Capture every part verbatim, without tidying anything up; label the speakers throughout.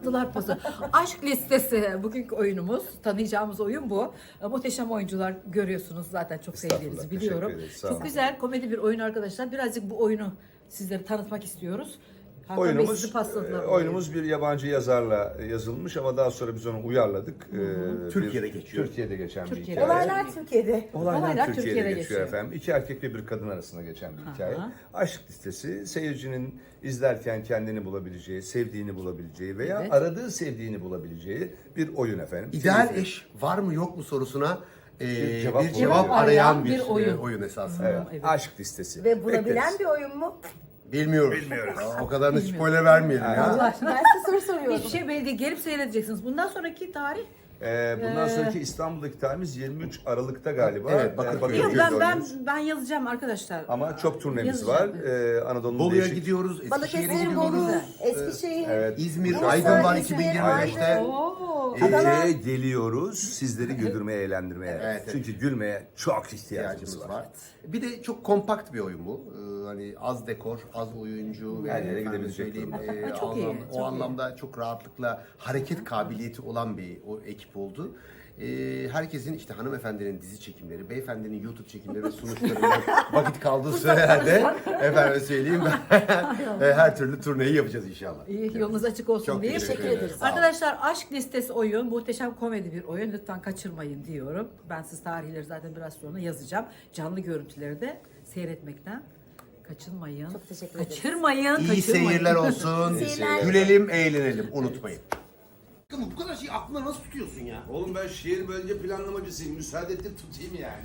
Speaker 1: Attılar pası. Aşk listesi bugünkü oyunumuz. Tanıyacağımız oyun bu. Muhteşem oyuncular görüyorsunuz zaten çok sevdiğinizi
Speaker 2: Estağfurullah,
Speaker 1: biliyorum.
Speaker 2: teşekkür ederiz, sağ
Speaker 1: Çok
Speaker 2: olun.
Speaker 1: güzel komedi bir oyun arkadaşlar. Birazcık bu oyunu sizlere tanıtmak istiyoruz. Hakan Bey
Speaker 2: Oyunumuz,
Speaker 1: sizi pasladılar.
Speaker 2: e, oyunumuz bir yabancı yazarla yazılmış ama daha sonra biz onu uyarladık. Ee,
Speaker 3: Türkiye'de
Speaker 2: bir-
Speaker 3: geçiyor.
Speaker 2: Türkiye'de geçen
Speaker 1: Türkiye'de.
Speaker 2: bir hikaye.
Speaker 4: Olaylar Türkiye'de.
Speaker 2: Olaylar,
Speaker 1: Olaylar
Speaker 2: Türkiye'de,
Speaker 1: Türkiye'de
Speaker 2: geçiyor,
Speaker 1: geçiyor.
Speaker 2: efendim. İki erkek ve bir kadın arasında geçen bir hikaye.
Speaker 1: Aha.
Speaker 2: Aşk listesi seyircinin izlerken kendini bulabileceği, sevdiğini bulabileceği veya
Speaker 1: Evet.
Speaker 2: aradığı sevdiğini bulabileceği bir oyun efendim.
Speaker 3: İdeal
Speaker 2: Seyirci-
Speaker 3: eş var mı yok mu sorusuna e,
Speaker 2: Bir cevap
Speaker 3: bir cevap
Speaker 2: oluyor.
Speaker 3: arayan
Speaker 1: Bir
Speaker 3: bir,
Speaker 1: oyun.
Speaker 3: oyun. oyun esasında.
Speaker 2: Evet,
Speaker 1: Evet.
Speaker 2: aşk listesi.
Speaker 4: Ve bulabilen
Speaker 2: Bekleriz.
Speaker 4: bir oyun mu?
Speaker 3: Bilmiyoruz.
Speaker 2: Bilmiyoruz.
Speaker 3: Aa, o kadarını spoiler vermeyelim ya.
Speaker 1: Allah aşkına.
Speaker 4: Ben size soru soruyorum.
Speaker 1: Hiçbir şey belli değil. Gelip seyredeceksiniz. Bundan sonraki tarih.
Speaker 2: Ee, bundan
Speaker 1: Ee,
Speaker 2: sonraki İstanbul'daki tarihimiz yirmi üç Aralık'ta galiba.
Speaker 3: Evet, Bakırköy'de.
Speaker 2: Ee,
Speaker 1: Yok,
Speaker 2: Bakırköy'de
Speaker 1: ben ben
Speaker 2: oynuyoruz.
Speaker 1: ben yazacağım arkadaşlar.
Speaker 2: Ama çok turnemiz
Speaker 1: Yazacağım.
Speaker 2: var. Ee, Anadolu'nun
Speaker 3: Bolu'ya
Speaker 2: değişik...
Speaker 3: gidiyoruz, Eskişehir'e
Speaker 4: Balıkesir, Bolu,
Speaker 3: gidiyoruz.
Speaker 4: Eskişehir,
Speaker 2: Evet.
Speaker 3: İzmir,
Speaker 4: Bursa,
Speaker 3: Aydın var
Speaker 4: İzmir,
Speaker 3: iki bin yirmi beşte.
Speaker 4: Aydın.
Speaker 1: Oo.
Speaker 4: Adana.
Speaker 2: Ee, geliyoruz sizleri güldürmeye, eğlendirmeye.
Speaker 3: Evet, evet.
Speaker 2: Çünkü gülmeye çok ihtiyacımız
Speaker 3: ihtiyacımız
Speaker 2: var.
Speaker 3: var. Bir de çok kompakt bir oyun bu. Ee, hani az dekor, az oyuncu ve
Speaker 2: Her yere
Speaker 3: efendim
Speaker 2: gidebilecek
Speaker 3: söyleyeyim,
Speaker 2: durumda.
Speaker 3: e,
Speaker 1: Çok
Speaker 3: anlam-
Speaker 1: iyi,
Speaker 3: o
Speaker 1: çok iyi.
Speaker 3: anlamda çok rahatlıkla hareket kabiliyeti olan bir o ekip oldu. Ee, herkesin işte hanımefendinin dizi çekimleri, beyefendinin YouTube çekimleri ve sunuşlarından vakit kaldığı sürelerde efendim söyleyeyim ben her türlü turneyi yapacağız inşallah.
Speaker 1: İyi, yolunuz açık olsun
Speaker 3: Çok
Speaker 1: diye.
Speaker 3: teşekkür
Speaker 4: Teşekkür
Speaker 3: ederiz.
Speaker 4: ederiz.
Speaker 3: Sağ olun.
Speaker 1: Arkadaşlar aşk listesi oyun, muhteşem komedi bir oyun. Lütfen kaçırmayın diyorum. Ben siz tarihleri zaten biraz sonra yazacağım. Canlı görüntüleri de seyretmekten kaçınmayın.
Speaker 4: Çok teşekkür ederiz.
Speaker 1: Kaçırmayın,
Speaker 3: İyi
Speaker 1: kaçırmayın.
Speaker 3: seyirler olsun.
Speaker 4: İyi seyirler.
Speaker 3: Gülelim, eğlenelim. Unutmayın. Ama bu kadar şeyi aklına nasıl tutuyorsun ya?
Speaker 5: Oğlum ben şehir bölge planlamacısıyım. Müsaade et de tutayım yani.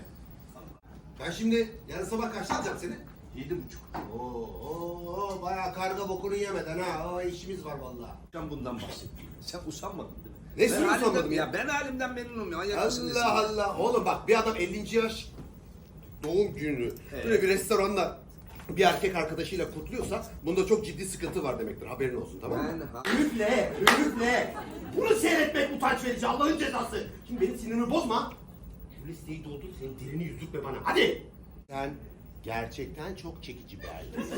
Speaker 3: Ben şimdi yarın sabah kaçta alacağım seni?
Speaker 5: Yedi buçuk.
Speaker 3: Oo, oo, bayağı karga bokunu yemeden ha. O işimiz var vallahi.
Speaker 5: Sen bundan bahsettin. Sen usanmadın değil mi?
Speaker 3: Nesini
Speaker 5: Ben
Speaker 3: usanmadım
Speaker 5: halimden-
Speaker 3: ya?
Speaker 5: Ben halimden memnunum ya. Manyak mısın nesin?
Speaker 3: Allah Allah. Oğlum bak bir adam ellinci yaş doğum günü böyle bir restoranda bir erkek arkadaşıyla kutluyorsa bunda çok ciddi sıkıntı var demektir. Haberin olsun, tamam mı?
Speaker 5: Ben ha-
Speaker 3: Üfle, üfle. Bunu seyretmek utanç verici, Allah'ın cezası. Şimdi benim sinirimi bozma. Bu listeyi doldur, senin dilini yüzükle bana. Hadi. Sen gerçekten çok çekici bir erkeksin.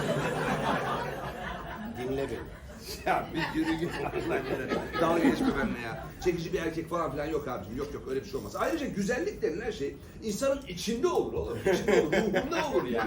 Speaker 3: Dinle beni.
Speaker 5: Ya bir yürü git Allah yere. Dalga geçme benimle ya. Çekici bir erkek falan filan yok abicim. Yok yok öyle bir şey olmaz. Ayrıca güzellik denilen şey insanın içinde olur oğlum. İçinde olur, ruhunda olur yani.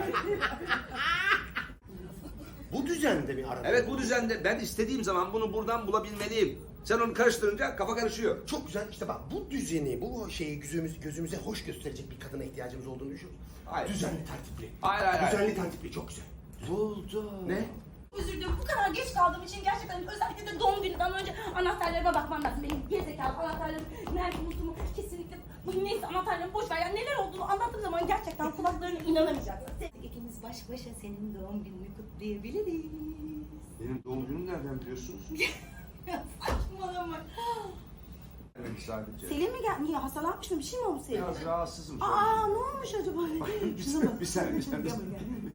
Speaker 3: Bu düzende mi aradın?
Speaker 5: Evet bu düzende ben istediğim zaman bunu buradan bulabilmeliyim. Sen onu karıştırınca kafa karışıyor.
Speaker 3: Çok güzel. İşte bak bu düzeni, bu şeyi gözümüz, gözümüze hoş gösterecek bir kadına ihtiyacımız olduğunu düşünüyoruz.
Speaker 5: Hayır.
Speaker 3: Düzenli, tertipli.
Speaker 5: Hayır, hayır, hayır.
Speaker 3: Düzenli, tertipli. Çok güzel.
Speaker 5: Buldum.
Speaker 3: Ne?
Speaker 6: Özür dilerim bu kadar geç kaldığım için gerçekten özellikle de doğum gününden önce anahtarlarıma bakmam lazım. Benim gerizekalı anahtarlarım nerede unuttuğumu kesinlikle bu neyse anahtarlarımı boş ver. Yani neler olduğunu anlattığım zaman gerçekten kulaklarına inanamayacaksın. İkimiz baş başa senin doğum gününü kutlayabiliriz.
Speaker 5: Benim doğum günüm nereden biliyorsunuz?
Speaker 6: Ya saçmalama.
Speaker 5: Evet sadece.
Speaker 6: Selim mi geldi? Niye hastalanmış mı? Bir şey mi oldu Selim?
Speaker 5: Biraz rahatsızım.
Speaker 6: Aa ne olmuş acaba? Şuna bak.
Speaker 5: bir saniye bir saniye.
Speaker 6: Gel buraya.